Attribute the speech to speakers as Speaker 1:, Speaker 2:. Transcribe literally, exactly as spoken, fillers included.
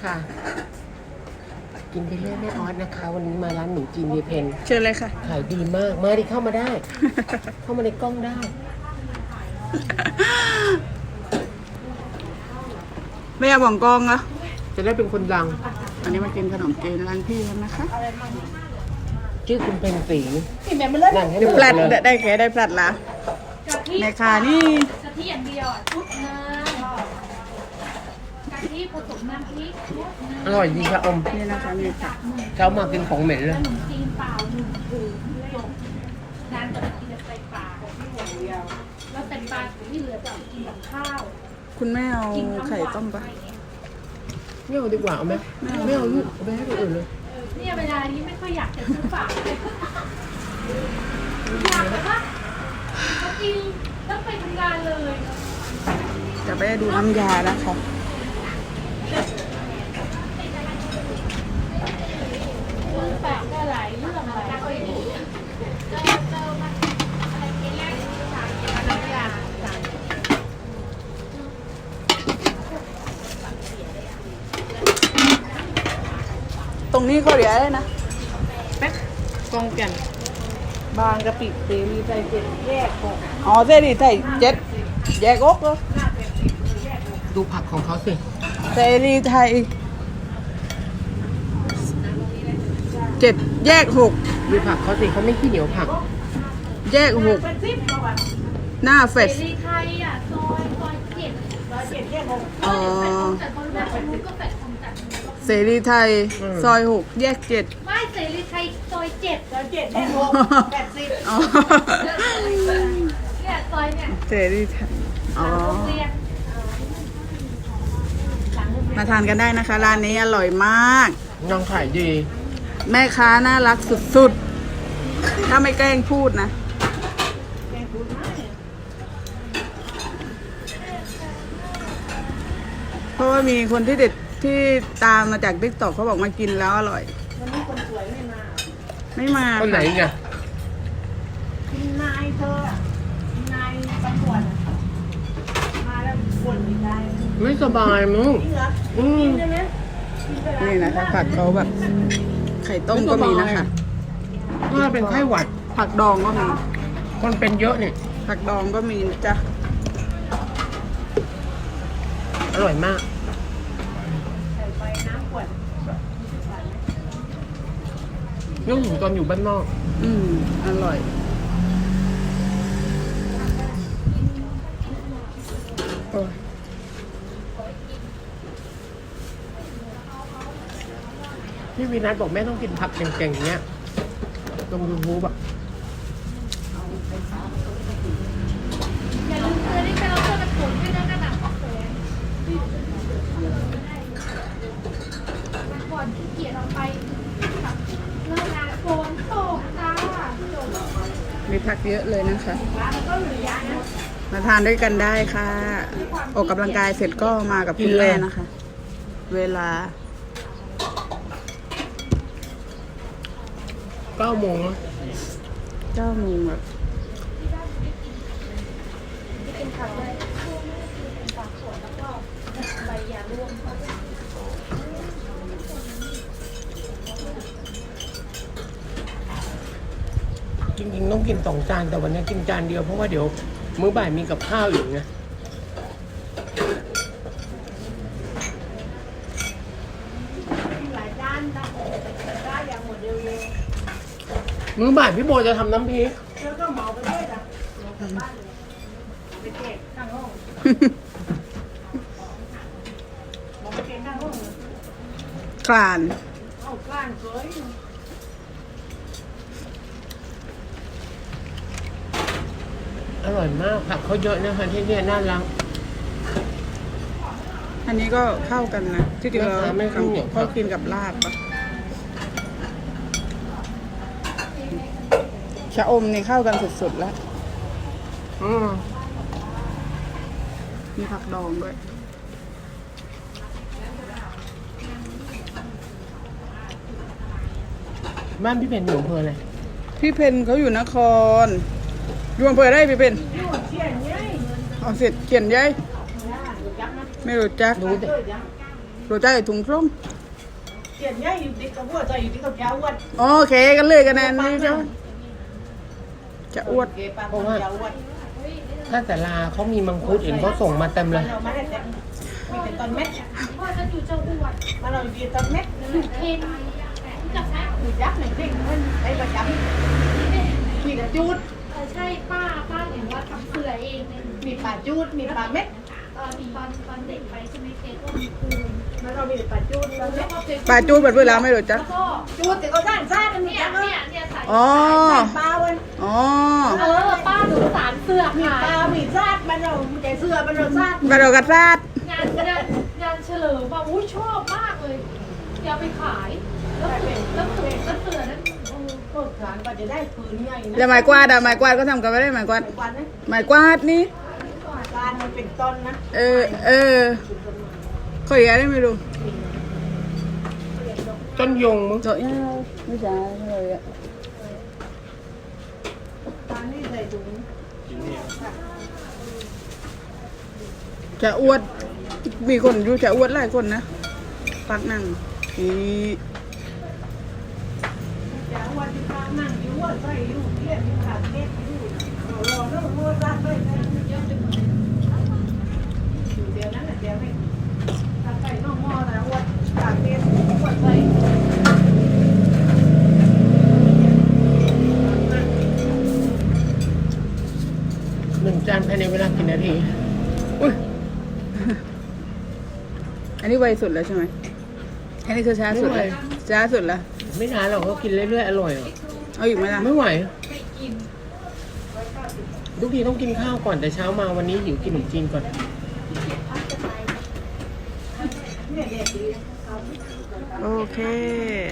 Speaker 1: ค่ะกินไปเรื่อยแม่ออสนะคะวันนี้มาร้านหนูจีนเยเพน
Speaker 2: เชิญเลยค่ะ
Speaker 1: ขายดีมากมาดิเข้ามาได้ เข้ามาในกล้องได้
Speaker 2: ไม่อยากบอกกองเหรอ
Speaker 1: จะได้เป็นคนดัง
Speaker 2: อันนี้มากินขนมจีนร้านพี่แล้วนะคะ
Speaker 1: ชื่อคุณเป็นสีนั่งให้ได้หม
Speaker 2: พ
Speaker 1: ด
Speaker 2: ลัด
Speaker 1: เลย
Speaker 2: ได้แค่ได้พลัดละแม่ค้านี่
Speaker 3: กะทิอย่างเดียวอ่ะชุดนึงกะทิผสมน้ำพริกชุดนึง
Speaker 1: อร่อยดีค่ะอม
Speaker 2: นี่นะคะนี่ค่ะ
Speaker 1: เช้ามากินของเหม็นเลย
Speaker 3: ขนมจีนเปล่าหนึ่งถุงจบนานจะไปกินแต่ไตปลาแล้วไตปลาที่เหลือจะเอากินกับข้าว
Speaker 2: คุณแม่เอา
Speaker 3: กินทั้ง
Speaker 2: ไข่
Speaker 3: วัน
Speaker 2: ต้มปะ
Speaker 1: ไม่เอาดีกว่าเอาไหมไม่เอาลูกเอาไปให้คนอื่นเลย
Speaker 3: เนี่ยเวลานี้ไม่ค่อยอยากจะซื้อฝากเลยอยากแบบว่าเขากินต้องไปทำงานเลย
Speaker 2: จะไปดูน้ำยานะคะ
Speaker 3: ซื้อฝากก็หลายเรื่องหลายคน
Speaker 2: ตรงนี้เขาเรียกอะไรนะ
Speaker 1: กองแก่น
Speaker 2: บางกะปิเสรีไทยเจ็ดแยกหกอ๋อเสรีไทยเจ็ดแยกอกเหรอ
Speaker 1: ดูผักของเขาสิ
Speaker 2: เสรีไทยเจ็ดแยกหก
Speaker 1: ดูผักเขาสิเขาไม่ขี้เหนียวผัก
Speaker 2: แยกหกหน้าเฟ
Speaker 3: เส
Speaker 2: ส
Speaker 3: รีไทยอ่ะซอยซอยเจ็ดซอยเจ็ดแยกหก
Speaker 2: อ๋อ
Speaker 3: แต่คนละคนนู้นก็แปดคนจัด
Speaker 2: เสรีไทยซอยหกแยกเจ็ด
Speaker 3: ไม่เสรีไทยซอยเจ็ดซอยเจ็ดแยกหกแปดสิบ
Speaker 2: อ๋อ
Speaker 3: เนี่ยซอยเนี่ย
Speaker 2: เสรีไทยอ๋อ
Speaker 3: โรงเรียน
Speaker 2: มาทานกันได้นะคะ ร้านนี้อร่อยมาก
Speaker 1: น้องขายดี
Speaker 2: แม่ค้าน่ารักสุดๆ ถ้าไม่แกล้งพูดนะ เพราะว่ามีคนที่เด็ดที่ตามมาจากติ๊กต็อกเขาบอกมากินแล้วอร่อยวันนี้คนสวยไม่มา ไม่มา
Speaker 1: คนไหนไง
Speaker 4: นายเธออะนายตำรวจอะมาแล้วบ่นอีกได้
Speaker 1: ไม่สบายมึง
Speaker 4: จริงเหรอ
Speaker 1: อืม
Speaker 4: ใช่ไหม
Speaker 2: นี่นะคะผักเขาแบบ ไข่ต้มก็มีนะคะ
Speaker 1: ถ้าเป็นไข้หวัด
Speaker 2: ผักดองก็มี
Speaker 1: คนเป็นเยอะนี่
Speaker 2: ผักดองก็มีนะจ้ะ
Speaker 1: อร่อยมาก
Speaker 4: ใส่ไปน้ำขวด
Speaker 1: นึกถึงตอนอยู่บ้านนอก
Speaker 2: อืมอร่อย โอ้ย
Speaker 1: พี่วีนัทบอกแม่ต้องกินผักเก่งๆอย่างเงี้ยลงยูทูบอะ
Speaker 3: อย่าลืมซื้อนี่ไปเราเพื่อนกระปุกให้ด้วยกันนะวันก่อนขี้เกียจเราไปเลิกงานฝนตกจ้า
Speaker 2: มีผักเยอะเลยนะคะ มาทานด้วยกันได้ค่ะ ออกกำลังกายเสร็จก็มากับคุณแม่นะคะ เวลา
Speaker 1: เก้าโมงแล้ว
Speaker 2: เก้าโมงแบบ
Speaker 1: จริงๆต้องกินสองจานแต่วันนี้กินจานเดียวเพราะว่าเดี๋ยวมื้อบ่ายมีกับข้าวอยู่ไง
Speaker 4: หลายด้านนะได้อย่างหมดเร็ว
Speaker 1: มื้อบ่ายพี่โบจะทำน้ำพริก
Speaker 4: ๆแล้วก็เหมาไปด้วยนะเหมากลับบ้านเลยไปเก็บข้างห้องเหมาไปเก็บข้างห้องเลย
Speaker 2: คลาน
Speaker 4: เอากล้านสวย
Speaker 1: อร่อยมากผักเขาเยอะนะคะที่เนี่ยน่ารัก
Speaker 2: อันนี้ก็เข้ากันนะ ที่จริงเรา
Speaker 1: ราคาไม่ขึ้นอย่าง
Speaker 2: เขากินกับลาบปะชะอมนี่เข้ากันสุดๆแล้ว
Speaker 1: อืม
Speaker 2: มีผักดองด้วย
Speaker 1: บ้านพี่เป็นอยู่อำเภออะไร
Speaker 2: พี่เพนเขาอยู่นครอยู่อำเภอได้พี่เพน
Speaker 4: นู่นเชี่ยนยัย
Speaker 2: เอาเสร็จเขียนยัยไม่รู้จัก
Speaker 1: รู้แต่
Speaker 4: เออยัง
Speaker 2: รู้จักไอ้ถุงส้ม
Speaker 4: เจียนใหญ่อยู่ติดกับวัวใจอยู่ติดกับยาววัด
Speaker 2: โอเคกันเลยกันแน่นี่เจ้าจะอวด
Speaker 4: เก็บปลาของยาววัด
Speaker 1: ถ้าแต่ลาเขามีมังคุดเห็นเขาส่งมาเต็มเลย
Speaker 4: เราไม่ได้แต่มีแต่ตอนเม็ด
Speaker 3: พ่อจะอยู่เจ้าอวด
Speaker 4: มาเราอยู่ตอนเม็ด
Speaker 3: อยู่เคนรู้จักไหม
Speaker 4: มียักษ์หนึ่งเด้งมันไอ้ประจำมีแต่จูด
Speaker 3: เออใช่ป้าป้าเห็นว่าทำเสือเองเนี่ย
Speaker 4: มีปลาจูดมีปลาเม็ด
Speaker 3: ตอนตอนตอนเด็กไปใช่ไหมเคนก็มีครู
Speaker 4: มาเรามีแต่ปลาจูดปลาเม็
Speaker 3: แล้
Speaker 4: ด
Speaker 3: วก็เป็น
Speaker 2: ปลาจูดแบบเวลาไม่รู้จัก
Speaker 3: แล้วก็
Speaker 4: จูดแต่ก็ด้านซ่ากันมี
Speaker 3: เนี่ย
Speaker 4: จัง
Speaker 3: เนี่ยเนี่ยใส่
Speaker 2: อ๋อ
Speaker 4: ปลาวัน
Speaker 2: อ๋อ
Speaker 3: เออป้าหนูสารเสือก
Speaker 4: มี
Speaker 3: ขาย
Speaker 4: ปลามีซาดมันเราใจเสื้อมันเราซาด
Speaker 2: กระโดดกระซาด
Speaker 3: งานงานงานเฉลิมว่าอุ้ยชอบมากเลยอยากไปขายแล้วเสือแล้วเสือแล้วเสือนั้น
Speaker 4: โคตรขานก็จะได้ปืนใหญ่นะ
Speaker 2: แล้วไม้กวาดอะไม้กวาดก็ทำกันไม่ได้ไม้กวาด
Speaker 4: กวาดนะ
Speaker 2: ไม้กวาดนี่
Speaker 4: การมันเป็นต้นนะ
Speaker 2: เออ เออเขาอีกอะไรไม่รู้
Speaker 1: ต้นยงมึง
Speaker 2: โจ๊ะยังไม่ใช่เลยอะ
Speaker 4: การนี่ใส่ถุง
Speaker 2: จะอวด มีคนอยู่จะอวดหลายคนนะปักนั่งนี่
Speaker 4: ยาววัดที่ข้างนั่งอยู่วัดใส่อยู่เรียกอยู่ขาดเม็ดอยู่รอรอแล้วมันวัวซาดด้วยนะอยู่เดียวนั้นแหละเดียวไม่ตัดใส่นอกหม้อแต่วัดขาดเม็ดวัดใส่
Speaker 1: หนึ่งจานภายในเวลากี่นาทีอุ้ย
Speaker 2: อันนี้ไวสุดแล้วใช่ไหมอันนี้คือช้าสุดเลยช้าสุดแล้ว
Speaker 1: ไม่นานหรอกเขากินเรื่อยๆอร่อยอ่ะ
Speaker 2: เอาอีกไหมล่ะ
Speaker 1: ไม่ไหวทุกทีต้องกินข้าวก่อนแต่เช้ามาวันนี้หิวกินขนมจีนก่อน
Speaker 4: เนี่ยเด็กดี
Speaker 2: โอเค